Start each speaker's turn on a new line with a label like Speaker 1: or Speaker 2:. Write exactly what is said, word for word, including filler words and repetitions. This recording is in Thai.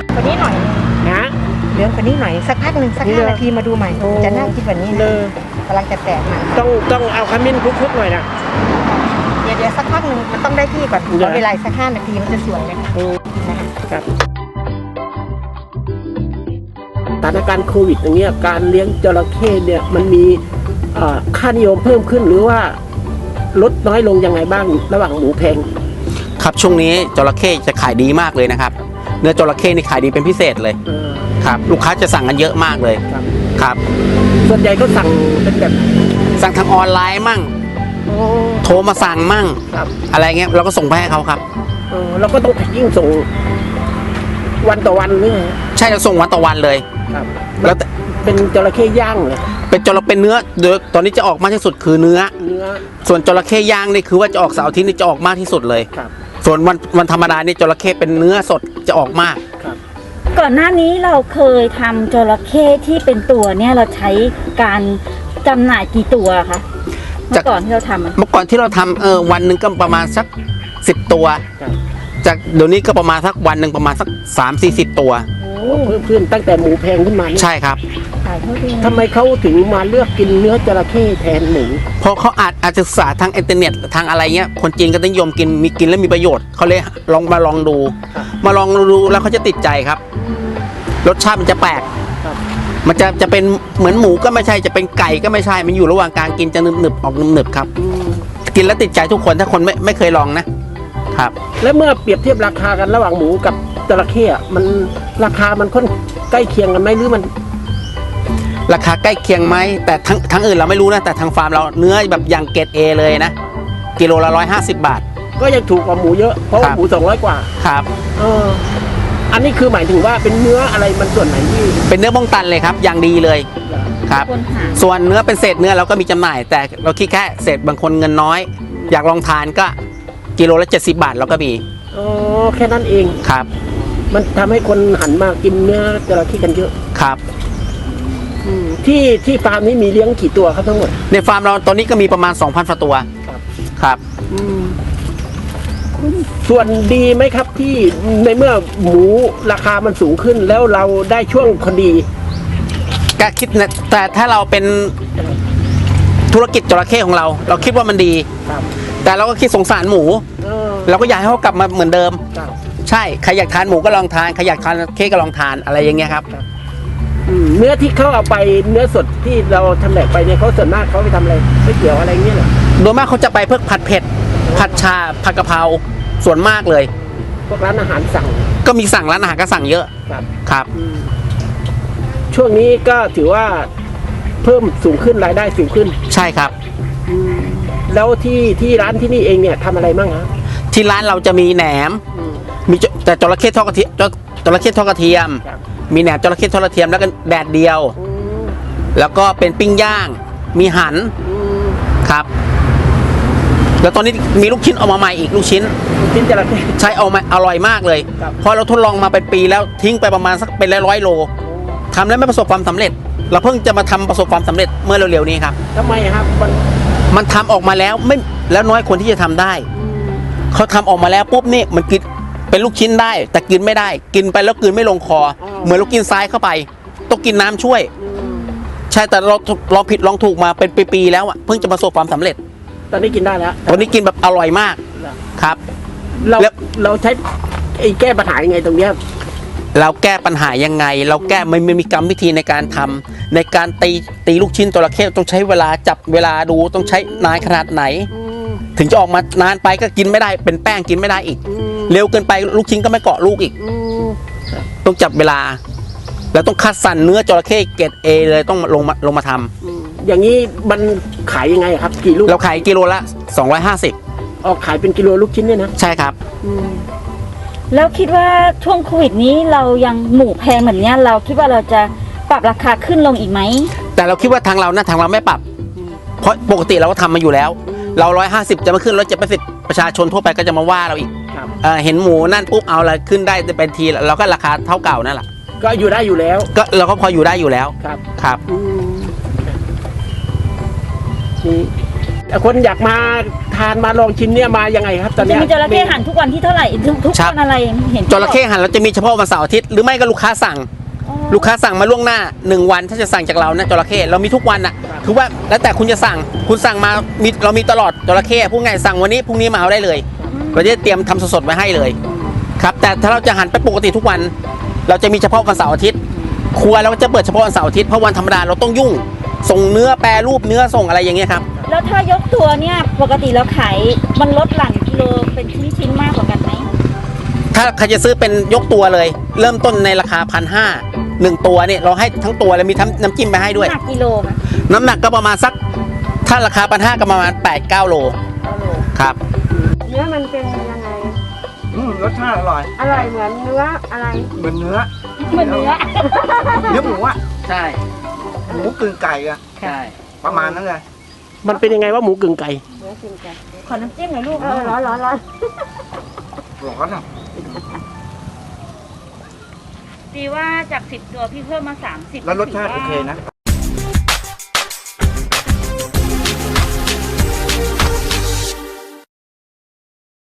Speaker 1: คนนี้หน่อย
Speaker 2: นะ
Speaker 1: เหลืองคนนี้หน่อยสักพักหนึ่งสักห้านาทีมาดูใหม่จะน่ากินแบบนี้นะกำลังจะแตกมัน
Speaker 2: ต้องต้องเอาขมิ้นคลุกๆหน่อยนะ
Speaker 1: เดี๋ยวเดี๋ยวสักพักหนึ่งมันต้องได้ที่ก่อนขอเวลาสักห้านาทีมันจะสวยเลยค่ะ
Speaker 2: ครับสถานการณ์โควิดอย่างเงี้ยการเลี้ยงจระเข้เนี่ยมันมีค่านิยมเพิ่มขึ้นหรือว่าลดน้อยลงยังไงบ้างระหว่างหมูแพง
Speaker 3: ครับช่วงนี้จระเข้จะขายดีมากเลยนะครับเนื้อจระเข้นี่ขายดีเป็นพิเศษเลยครับลูกค้าจะสั่งกันเยอะมากเลยครับ
Speaker 2: ส่วนใหญ่ก็สั่งเป็นแบบ
Speaker 3: สั่งทางออนไลน์มั่งโทรมาสั่งมั่งอะไรเงี้ยเราก็ส่งไปให้เขาครับ
Speaker 2: เราก็ต้องยิ่งส่งวันต่อวันเลย
Speaker 3: ใช่เราส่งวันต่อวันเลย
Speaker 2: ครับแล้วเป็นจระเข้ย่างเหรอ
Speaker 3: เป็นจระเป็นเนื้อเดี๋ยวตอนนี้จะออกมากที่สุดคือเนื้อ
Speaker 2: เนื้อ
Speaker 3: ส่วนจระเข้ย่างนี่คือว่าจะออกเสาร์อาทิตย์นี่จะออกมากที่สุดเลย
Speaker 2: ครับ
Speaker 3: ส่วนวันวันธรรมดานี่จระเข้เป็นเนื้อสดจะออกมาก
Speaker 2: ครับ
Speaker 4: ก่อนหน้านี้เราเคยทำจระเข้ที่เป็นตัวเนี่ยเราใช้การจำหน่ายกี่ตัวคะเมื่อก่อนที่เราทำ
Speaker 3: เมื่อก่อนที่เราทำเออวันหนึ่งก็ประมาณสักสิบตัวจากเดี๋ยวนี้ก็ประมาณสักวันหนึ่งประมาณสักสามสี่สิบตัว
Speaker 2: เพิ่มขึ้นตั้งแต่หมูแพงขึ้นมา
Speaker 3: ใช่ครับ
Speaker 2: ทำไมเขาถึงมาเลือกกินเนื้อจระเข้แทนหมู
Speaker 3: เพราะเขาอาจอาจศึกษาทางอินเทอร์เน็ตทางอะไรเงี้ยคนจีนก็นิยมกินมีกินแล้วมีประโยชน์เขาเลยลองมาลองดูมาลองดูแล้วเขาจะติดใจครับรสชาติมันจะแปลกมันจะจะเป็นเหมือนหมูก็ไม่ใช่จะเป็นไก่ก็ไม่ใช่มันอยู่ระหว่างกลางกินจะหนึบหนึบออกหนึบหนึบครับกินแล้วติดใจทุกคนถ้าคนไม่ไม่เคยลองนะครับ
Speaker 2: แล้วเมื่อเปรียบเทียบราคากันระหว่างหมูกับจระเข้มันราคามันค่อนใกล้เคียงกันไหมหรือมัน
Speaker 3: ราคาใกล้เคียงไหมแต่ทั้งทั้งอื่นเราไม่รู้นะแต่ทางฟาร์มเราเนื้อแบบอย่างเกรดเอเลยนะกิโลละร้อยห้าสิบบาท
Speaker 2: ก็ยังถูกกว่าหมูเยอะเพราะว่าหมูสองร้อยกว่า
Speaker 3: ครับ
Speaker 2: เอออันนี้คือหมายถึงว่าเป็นเนื้ออะไรมันส่วนไหนที่
Speaker 3: เป็นเนื้อบ้องตันเลยครับอย่างดีเลยครับส่วนเนื้อเป็นเศษเนื้อเราก็มีจำหน่ายแต่เราคิดแค่เศษบางคนเงินน้อยอยากลองทานก็กิโลละเจ็ดสิบบาทเราก็มี
Speaker 2: อ๋อแค่นั้นเอง
Speaker 3: ครับ
Speaker 2: มันทำให้คนหันมากินเนื้อจระเข้กันเยอะ
Speaker 3: ครับ
Speaker 2: ที่ที่ฟาร์มนี้มีเลี้ยงกี่ตัวครับทั้งหมด
Speaker 3: ในฟาร์มเราตอนนี้ก็มีประมาณ สองพัน ตัว
Speaker 2: ครับ
Speaker 3: ครับ
Speaker 2: ส่วนดีไหมครับที่ในเมื่อหมูราคามันสูงขึ้นแล้วเราได้ช่วงพอดี
Speaker 3: ก็คิดนะแต่ถ้าเราเป็นธุรกิจจระเข้ของเราเราคิดว่ามันดีแต่เราก็คิดสงสารหมูเราก็อยากให้เขากลับมาเหมือนเดิมใช่ใครอยากทานหมูก็ลองทานใครอยากทานเค้กก็ลองทานอะไรอย่างเงี้ยครับ
Speaker 2: เนื้อที่เขาเอาไปเนื้อสดที่เราทำแหลกไปเนี่ยเขาส่วนมากเขาไปทำอะไรไม่เกี่ยวอะไรเงี้ยเหรอ
Speaker 3: โดยมากเขาจะไปเพื่อผัดเผ็ดผัดชาผัดกะเพราส่วนมากเลย
Speaker 2: พวกร้านอาหารสั่ง
Speaker 3: ก็มีสั่งร้านอาหารก็สั่งเยอะ
Speaker 2: ครับ
Speaker 3: ครับ
Speaker 2: ช่วงนี้ก็ถือว่าเพิ่มสูงขึ้นรายได้สูงขึ้น
Speaker 3: ใช่ครับ
Speaker 2: แล้วที่ที่ร้านที่นี่เองเนี่ยทำอะไรบ้างฮะ
Speaker 3: ที่ร้านเราจะมีแหนมมีแต่จระเข้ทอดกระเทียมจระเข้ทอดกระเทียมมีแหนมจระเข้ทอดกระเทียมแล้วก็แดดเดียวแล้วก็เป็นปิ้งย่างมีหั่นครับแล้วตอนนี้มีลูกชิ้นออกมาใหม่อีกลูกชิ้น
Speaker 2: ลูกชิ้นจระเข้
Speaker 3: ใช่เอามาอร่อยมากเลยพอเราทดลองมาเป็นปีแล้วทิ้งไปประมาณสักเป็นร้อยโลทำแล้วไม่ประสบความสำเร็จเราเพิ่งจะมาทำประสบความสำเร็จเมื่อเร็วๆนี้ครับ
Speaker 2: ทำไมครับมัน
Speaker 3: มันทำออกมาแล้วไม่แล้วน้อยคนที่จะทำได้เขาทำออกมาแล้วปุ๊บนี่มันกินเป็นลูกชิ้นได้แต่กินไม่ได้กินไปแล้วกินไม่ลงคอเหมือนเรากินทรายเข้าไปต้องกินน้ำช่วยใช่แต่เราลองผิดลองถูกมาเป็นปีๆแล้วอ่ะเพิ่งจะประสบความสำเร็จ
Speaker 2: ตอนนี้กินได้แล้ว
Speaker 3: ตอนนี้กินแบบอร่อยมากครับ
Speaker 2: เราเราใช้ไอ้แก้ปัญหายังไงตรงเนี้ย
Speaker 3: เราแก้ปัญหายังไงเราแก้ไม่มีกรรมวิธีในการทำในการตีตีลูกชิ้นจระเข้ต้องใช้เวลาจับเวลาดูต้องใช้นานขนาดไหนถึงจะออกมานานไปก็กินไม่ได้เป็นแป้งกินไม่ได้อีกเร็วเกินไปลูกชิ้นก็ไม่เกาะลูกอีกต้องจับเวลาแล้วต้องคัดสรรเนื้อจระเข้เกรดเอเลยต้องลงมาลงมาท
Speaker 2: ำอย่างนี้มันขายยังไงครับกี่ลูก
Speaker 3: เราขายกิโลละสองร้อยห้าสิบ
Speaker 2: ออกขายเป็นกิโลลูกชิ้นเนี่ยนะ
Speaker 3: ใช่ครับ
Speaker 4: แล้วคิดว่าช่วงโควิดนี้เรายังหมูแพงแบบนี้เราคิดว่าเราจะปรับราคาขึ้นลงอีกไหม
Speaker 3: แต่เราคิดว่าทางเรานะทางเราไม่ปรับเพราะปกติเราก็ทำมาอยู่แล้วเราร้อยห้าสิบจะมาขึ้นร้อยเจ็ดสิบประชาชนทั่วไปก็จะมาว่าเราอีกเห็นหมูนั่นปุ๊บเอาอะไรขึ้นได้เป็นทีเราก็ราคาเท่าเก่านั่นแหละ
Speaker 2: ก็อยู่ได้อยู่แล้ว
Speaker 3: ก็เราก็พออยู่ได้อยู่แล้ว
Speaker 2: ครับ
Speaker 3: ครับ
Speaker 2: คนอยากมาทานมาลองชิมเนี่ยมายังไงครับตอน
Speaker 4: จะ
Speaker 2: เนี้ย
Speaker 4: มีจระเข้หั่นทุกวันที่เท่าไหร่ทุกทุก
Speaker 3: ครับ
Speaker 4: วันอะไรเห็น
Speaker 3: จระเข้หั่นเราจะมีเฉพาะวันเสาร์อาทิตย์หรือไม่ก็ลูกค้าสั่ง
Speaker 4: อ๋อ
Speaker 3: ลูกค้าสั่งมาล่วงหน้าหนึ่งวันถ้าจะสั่งจากเรานะจระเข้เรามีทุกวันอ่ะคือว่าแล้วแต่คุณจะสั่งคุณสั่งมามีเรามีตลอดจระเข้พูดง่ายสั่งวันนี้พรุ่งนี้มาเอาได้เลยเราจะเตรียมทำสดๆไว้ให้เลยครับแต่ถ้าเราจะหั่นไปปกติทุกวัน เราจะมีเฉพาะวันเสาร์อาทิตย์ครัวเราก็จะเปิดเฉพาะวันเสาร์อาทิตย์เพราะวันธรรมดาเราต้องยุ่ง ส่งเนื้อแปรรูปเนื้อส่งอะไรอย่างเงี้ยครับ
Speaker 4: แล้วถ้ายกตัวเนี่ยปกติเราขายมันลดหลั่นกิโลเป็นชิ้นๆมากกว่ากันไหม
Speaker 3: ถ้าใครจะซื้อเป็นยกตัวเลย เริ่มต้นในราคาพันห้าหนึ่งตัวเนี่ยเราให้ทั้งตัวแล้วมีทั้งน้ำจิ้มไปให้ด้วย
Speaker 4: หนักกิโลค่ะ
Speaker 3: น้ำหนักก็ประมาณสักถ้าราคาพันห้าก็ประมาณแปดเก้าโลครับ
Speaker 1: เนื้อมันเป็นยังไง
Speaker 5: อืมรสชาติอร่อย
Speaker 1: อร่อยเหมือนเนื้ออะไร
Speaker 5: เหมือนเนื้อ
Speaker 4: เหมือนเนื้อ
Speaker 5: เนื้อหมูอะ
Speaker 3: ใช่
Speaker 5: หมูกึ่งไก่อะ
Speaker 3: ใช่
Speaker 5: ประมาณนั้นเลย
Speaker 2: มันเป็นยังไงว่าหมูกึ่งไก่
Speaker 1: เนื้อจริงจัง
Speaker 4: ขอน้ำจิ้มหน่อยลูก
Speaker 1: เออร้อนร้อนร้อน
Speaker 5: ร้อนอะ
Speaker 4: ดีว่าจากสิบตัวพี่เพิ่มมาสามสิบ
Speaker 5: แล้วรสชาติโอเคนะ